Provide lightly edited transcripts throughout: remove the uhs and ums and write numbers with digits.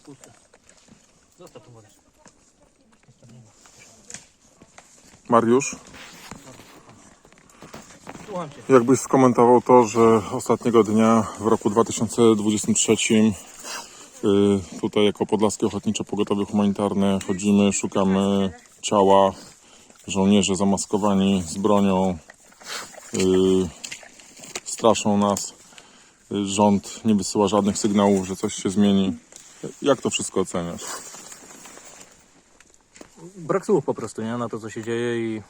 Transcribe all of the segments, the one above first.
puste. Zostaw tu wodę. Mariusz, Słucham cię. jakbyś skomentował to, że ostatniego dnia w roku 2023 tutaj jako Podlaskie Ochotnicze Pogotowie Humanitarne chodzimy, szukamy ciała, żołnierze zamaskowani z bronią straszą nas, rząd nie wysyła żadnych sygnałów, że coś się zmieni. Jak to wszystko oceniasz? Brak słów po prostu, nie? Na to, co się dzieje i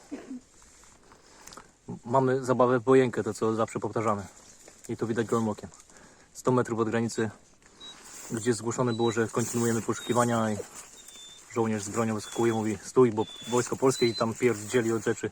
mamy zabawę w wojenkę, to co zawsze powtarzamy. I to widać gołym okiem. 100 metrów od granicy, gdzie zgłoszone było, że kontynuujemy poszukiwania i żołnierz z bronią wyskakuje, mówi stój, bo wojsko polskie i tam pierdzieli od rzeczy.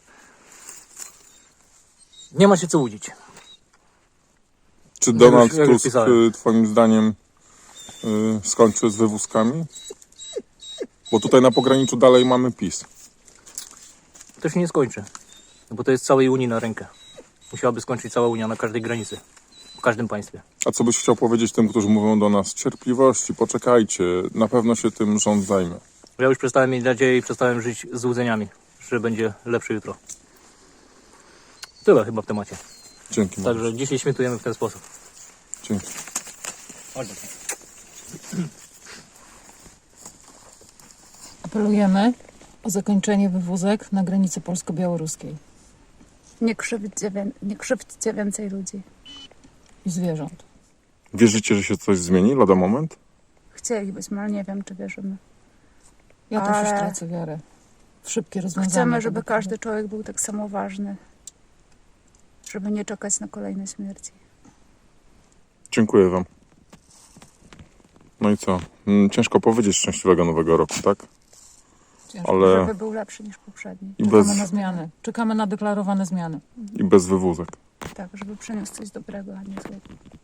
Nie ma się co łudzić. Czy Donald jak już Tusk pisałem. twoim zdaniem skończy z wywózkami? Bo tutaj na pograniczu dalej mamy PiS. To się nie skończy, bo to jest całej Unii na rękę. Musiałaby skończyć cała Unia na każdej granicy, w każdym państwie. A co byś chciał powiedzieć tym, którzy mówią do nas cierpliwości, poczekajcie, na pewno się tym rząd zajmie. Ja już przestałem mieć nadzieję i przestałem żyć złudzeniami, że będzie lepsze jutro. Tyle chyba w temacie. Dzięki. Mariusz. Także dzisiaj świętujemy w ten sposób. Dzięki. Apelujemy o zakończenie wywózek na granicy polsko-białoruskiej Nie krzywdźcie więcej ludzi. i zwierząt. Wierzycie, że się coś zmieni lada moment? Chcielibyśmy, ale nie wiem, czy wierzymy. Ja też już Ale- tracę wiarę w szybkie rozwiązanie. Chcemy, żeby tego każdy człowiek był tak samo ważny. Żeby nie czekać na kolejne śmierci. Dziękuję wam. No i co? Ciężko powiedzieć szczęśliwego nowego roku, tak? Ciężko. Ale Żeby był lepszy niż poprzedni. i Czekamy bez, na zmiany. Czekamy na deklarowane zmiany. i bez wywózek. Tak, żeby przyniósł coś dobrego, a nie złego.